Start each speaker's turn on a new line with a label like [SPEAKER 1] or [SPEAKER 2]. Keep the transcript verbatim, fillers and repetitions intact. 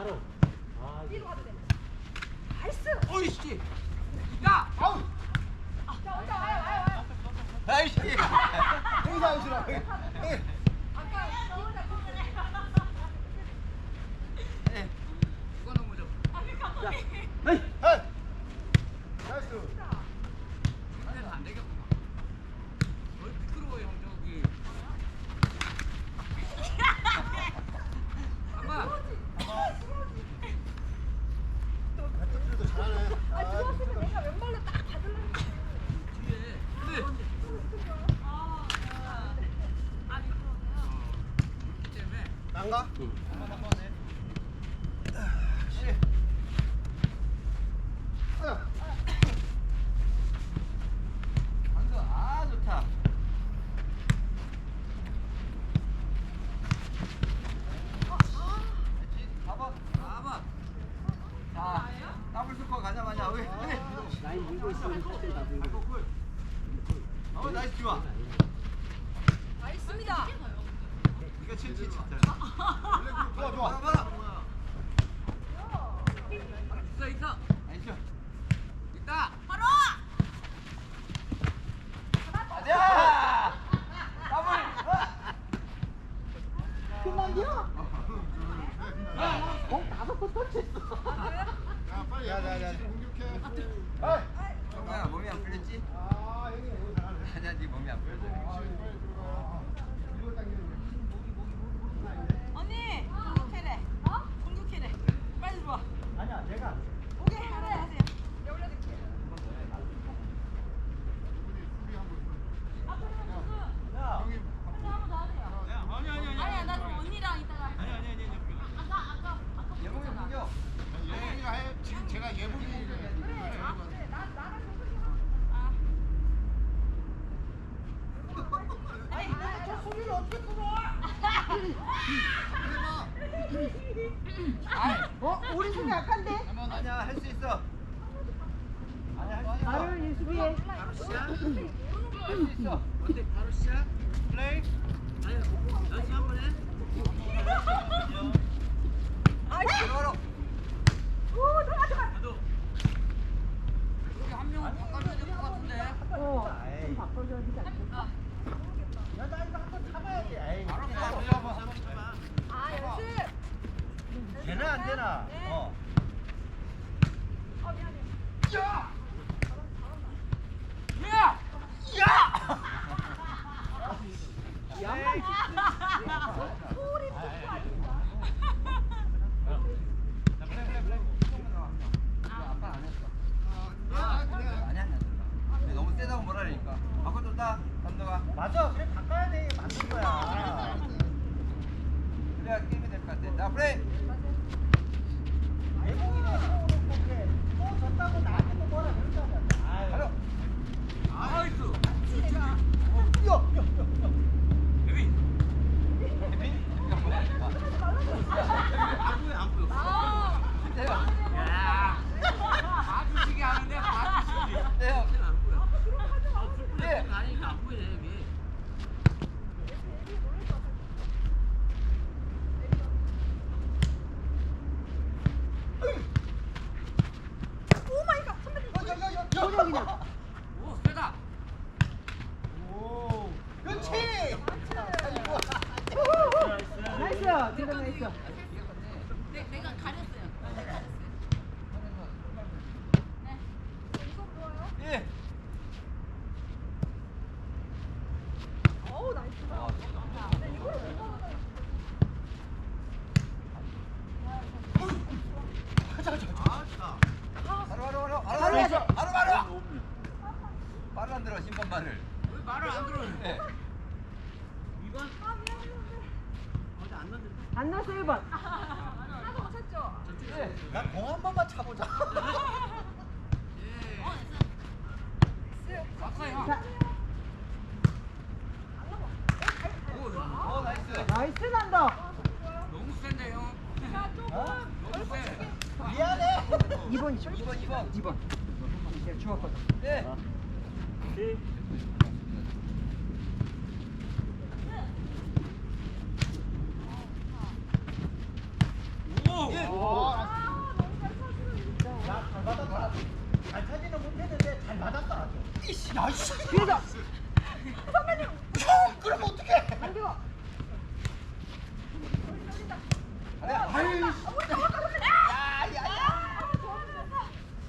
[SPEAKER 1] 뒤로 가도 돼. 나이스.
[SPEAKER 2] 어이씨. 야. 아우.
[SPEAKER 1] 자, 혼자 와요, 와요, 와요.
[SPEAKER 2] 아이씨.
[SPEAKER 3] 여기서 아웃이라.
[SPEAKER 1] 아까 저 혼자
[SPEAKER 2] 예. 이거 너무 좀.
[SPEAKER 3] 자, 에이, 에이. 나이스.
[SPEAKER 2] 안에는 안 되겠구나. 어, 미끄러워 형 저기. 아마.
[SPEAKER 3] 배터리도 잘하네.
[SPEAKER 1] 아, 들어왔으면 내가 왼발로 딱 받으려고.
[SPEAKER 2] 뒤에. 근데. 그렇기 때문에.
[SPEAKER 3] 난가?
[SPEAKER 2] 한번 한번 해.
[SPEAKER 3] 씨. 아,
[SPEAKER 2] 방금 아 좋다. 그렇지. 가봐. 가봐. 자, 더블 스코어 가자마자 우리.
[SPEAKER 4] 라인 밀고 있으면 사실 다 밀고.
[SPEAKER 2] 어, 나이스 좋아.
[SPEAKER 1] 나이스입니다.
[SPEAKER 2] 이거 칠칠 쳤다.
[SPEAKER 3] 좋아, 좋아.
[SPEAKER 2] 봐봐. 있어 있어. 나이스. 있다.
[SPEAKER 1] 바로.
[SPEAKER 2] 가자. 더블.
[SPEAKER 4] 끝난겨? 공 다섯 번 터치했어.
[SPEAKER 3] 야, 빨리. 야, 야, 야. 공격해. 아,
[SPEAKER 2] 정우야 몸이 안 풀렸지?
[SPEAKER 3] 아, 형이 너무 잘하네.
[SPEAKER 2] 아니야 네 몸이 안 풀렸어.
[SPEAKER 3] 빨리 들어가. 이거 당기는
[SPEAKER 1] 언니, 공격해래. 어? 공격해래. 빨리 들어와.
[SPEAKER 3] 아니야, 내가.
[SPEAKER 1] 오케이, 하나 하세요. 내가 올려드릴게요. 아, 그러면 무슨?
[SPEAKER 3] 야, 형이.
[SPEAKER 1] 한번 한번 더 하세요.
[SPEAKER 2] 아니 아니 아니.
[SPEAKER 1] 아니야, 나 그럼 언니랑 이따가. 아니 아니 아니. 아까 아까 아까.
[SPEAKER 2] 예봉이 공격.
[SPEAKER 3] 예봉이가 해. 지금 제가 예봉이.
[SPEAKER 1] 그래. 아, 그래. 나 나랑 공격해봐. 아. 아니, 저 소리를 어떻게 끊어?
[SPEAKER 4] 어? 우리 팀이 약한데?
[SPEAKER 2] 한번 아니야 할 수 있어. 아니야 할 수 있어.
[SPEAKER 4] 나를 예수비해.
[SPEAKER 2] 바로 시작. 할 수 있어. 어때? 바로 시작. 플레이. 아니 연습 한번 해.
[SPEAKER 1] 아,
[SPEAKER 2] 들어가라.
[SPEAKER 1] 오, 들어가 들어가.
[SPEAKER 2] 여기 한 명은 바꿔줘야 될 것 같은데.
[SPEAKER 4] 어. 좀 바꿔줘야 되지 않겠어?
[SPEAKER 3] 야, 나 이거 한번 잡아야지. 에이.
[SPEAKER 2] 알았어. 한번 해봐.
[SPEAKER 1] 아, 연습.
[SPEAKER 3] 되나 안 되나?
[SPEAKER 1] 네.
[SPEAKER 3] 어.
[SPEAKER 1] 어, 미안해.
[SPEAKER 2] 야! 야! 야!
[SPEAKER 4] 양말
[SPEAKER 1] 소리 듣고 아닌가?
[SPEAKER 2] 아빠 안 했어. 아니 아니. 근데 너무 세다고 뭐라 그러니까. 바꿔줬다. 감독아.
[SPEAKER 3] 맞아, 그래 바꿔야 돼. 맞는 거야.
[SPEAKER 2] 그래야 게임이 될 것 같아. 자, 플레이.
[SPEAKER 3] 예봉이가 세워놓고 그래. 또 졌다고 나한테 또 뭐라 그러잖아. 아유.
[SPEAKER 2] 가려. 나이스.
[SPEAKER 1] 같이 내가.
[SPEAKER 3] 야, 야, 야.
[SPEAKER 2] 데뷔. 데뷔? 안 보여 안 보여.
[SPEAKER 1] 아.
[SPEAKER 2] 대요. 야. 봐주시기 하는데 봐주시기. 대요. 안 보여. 네. 아니니까 안 보이네 여기.
[SPEAKER 1] 오 마이 갓. 선배님.
[SPEAKER 4] 그냥 그냥.
[SPEAKER 2] 오 세다.
[SPEAKER 3] 오. 그렇지.
[SPEAKER 4] 나이스. 대박 나이스.
[SPEAKER 1] 네, 내가 가렸어요. 내가 가렸어요. 네. 이거 뭐예요?
[SPEAKER 2] 예.
[SPEAKER 1] 어우, 나이스. 네, 이거를 못 받아요.
[SPEAKER 2] 바로 바로 바로 바로 바로 바로 바로. 말을 안 들어 심판 말을. 왜 말을 안 들어? 네. 이번
[SPEAKER 1] 아, 미안해, 미안해.
[SPEAKER 2] 어제 안 넣는데.
[SPEAKER 4] 안 났어 일 번.
[SPEAKER 1] 하나도 못 찼죠?
[SPEAKER 2] 네.
[SPEAKER 3] 나공 한 번만 차보자.
[SPEAKER 2] 예.
[SPEAKER 1] 네.
[SPEAKER 2] 왔어요.
[SPEAKER 4] 자,
[SPEAKER 2] 오, 어 나이스.
[SPEAKER 4] 나이스 난다.
[SPEAKER 2] 너무 센데 형.
[SPEAKER 1] 자, 조금.
[SPEAKER 2] 너무 세.
[SPEAKER 3] 미안해.
[SPEAKER 4] 이 번이죠?
[SPEAKER 2] 이 번 이 번.
[SPEAKER 4] 이 번. 제가 주웠거든.
[SPEAKER 2] 네. 오. 일.
[SPEAKER 3] 야잘 받았다. 잘 차지는 못했는데 잘 받았다. 아주.
[SPEAKER 2] 이씨, 야, 씨.
[SPEAKER 4] 뒤에서